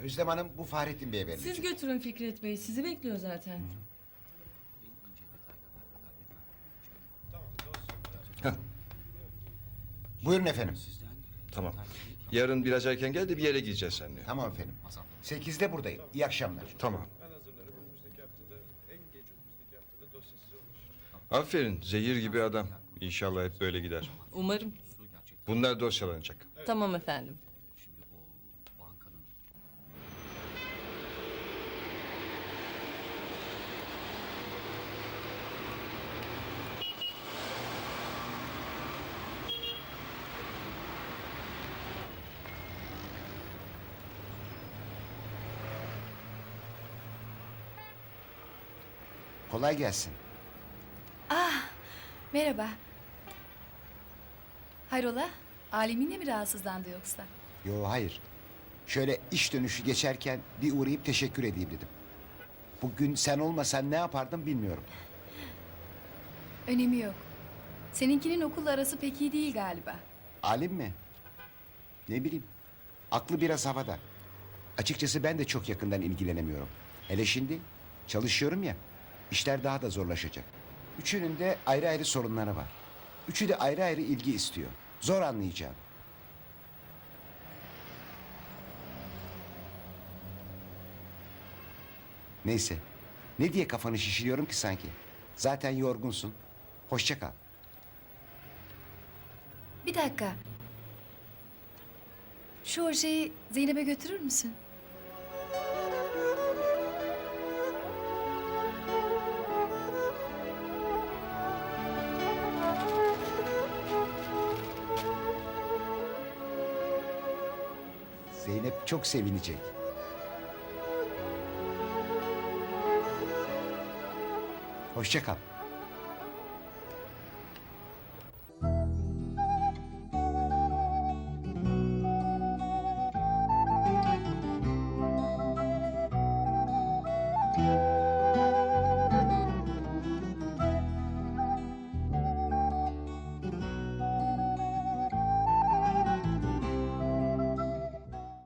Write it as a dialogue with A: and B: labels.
A: Özlem Hanım bu Fahrettin Bey'e verilecek.
B: Siz götürün Fikret Bey. Sizi bekliyor zaten.
C: Heh,
A: Buyurun efendim.
C: tamam. Yarın biraz erken gel de bir yere gideceğiz seninle.
A: Tamam efendim. 8'de buradayım. İyi akşamlar.
C: Tamam.
D: Ben hazırlarım. Önümüzdeki haftada, en geç önümüzdeki haftada dosya size ulaşır.
C: Aferin, zehir gibi adam. İnşallah hep böyle gider.
B: Umarım.
C: Bunlar dosyalanacak.
B: Tamam efendim.
A: Kolay gelsin.
E: Merhaba. Hayrola? Aleminle mi rahatsızlandı yoksa?
A: Yo hayır. Şöyle iş dönüşü geçerken bir uğrayıp teşekkür edeyim dedim. Bugün sen olmasan ne yapardım bilmiyorum.
E: Önemi yok. Seninkinin okulla arası pek iyi değil galiba.
A: Alim mi? Ne bileyim. Aklı biraz havada. Açıkçası ben de çok yakından ilgilenemiyorum. Hele şimdi çalışıyorum ya. İşler daha da zorlaşacak. Üçünün de ayrı ayrı sorunları var. Üçü de ayrı ayrı ilgi istiyor. Zor anlayacağım. Neyse. Ne diye kafanı şişiriyorum ki sanki? Zaten yorgunsun. Hoşça kal.
E: Bir dakika. Şu ojeyi Zeynep'e götürür müsün?
A: Zeynep çok sevinecek. Hoşça kal.